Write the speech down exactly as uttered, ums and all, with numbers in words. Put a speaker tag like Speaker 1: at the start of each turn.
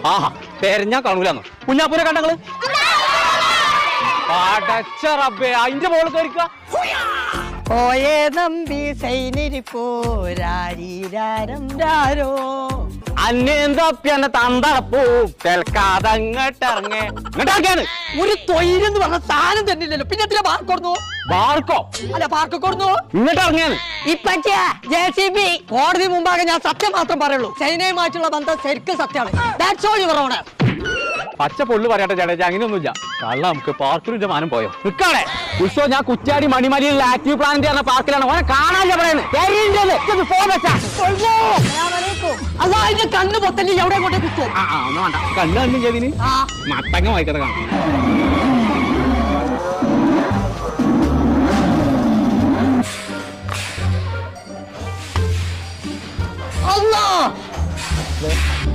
Speaker 1: ആഹാ തെരഞ്ഞാ കാണൂലെന്ന് കുഞ്ഞാപ്പൂരെ കണ്ടങ്ങള് പടച്ച റബ്ബേ അതിന്റെ മോള് കയറിക്ക
Speaker 2: പോയേ നമ്പി സൈനിരിപ്പോരാരീരാരം രാരോ
Speaker 1: അന്നേന്തന്നെ തന്തടപ്പൂ കേൾക്കാതങ്ങട്ടിറങ്ങേ ഇങ്ങോട്ടാക്കിയാണ്
Speaker 2: ഒരു തൊഴിലെന്ന് പറഞ്ഞ സാധനം തന്നില്ലല്ലോ പിന്നെ എന്തിനാ പാർക്ക് കൊടുന്നു
Speaker 1: ബാർക്കോ
Speaker 2: അല്ല പാർക്ക് കൊടുന്നു
Speaker 1: ഇങ്ങോട്ട് ഇറങ്ങിയാണ്
Speaker 2: ഇപ്പച്ചേ ജെ സി ബി കോടതി മുമ്പാകെ ഞാൻ സത്യം മാത്രം പറയുള്ളൂ ചൈനയുമായിട്ടുള്ള ബന്ധം ശരിക്കും സത്യമാണ് ദാറ്റ്സ് ഓൾ യുവർ ഓണർ
Speaker 1: പച്ച പൊള്ളു പറയട്ടെ ചേട്ടാ അങ്ങനെയൊന്നുമില്ല കള്ള നമുക്ക് പാർക്കിന്റെ മാനം പോയോ നിൽക്കാടെ ഉത്സവം ഞാൻ കുറ്റാടി മണിമലയിലുള്ള ആക്റ്റീവ് പ്ലാനിന്റെ പറഞ്ഞ പാർക്കിലാണ് ഓനെ കാണാനില്ല പറയുന്നത് ഫോൺ വെച്ചാ
Speaker 2: അല്ല അതിന്റെ കണ്ണ് പൊത്തല്ലേ എവിടെ കൊണ്ടേ കുത്തും
Speaker 1: ആ ഒന്നും വേണ്ട കണ്ണ് കണ്ണും ചെയ്തിന് മത്തങ്ങ വായിക്കട്ടെ കാണാം
Speaker 2: Allah!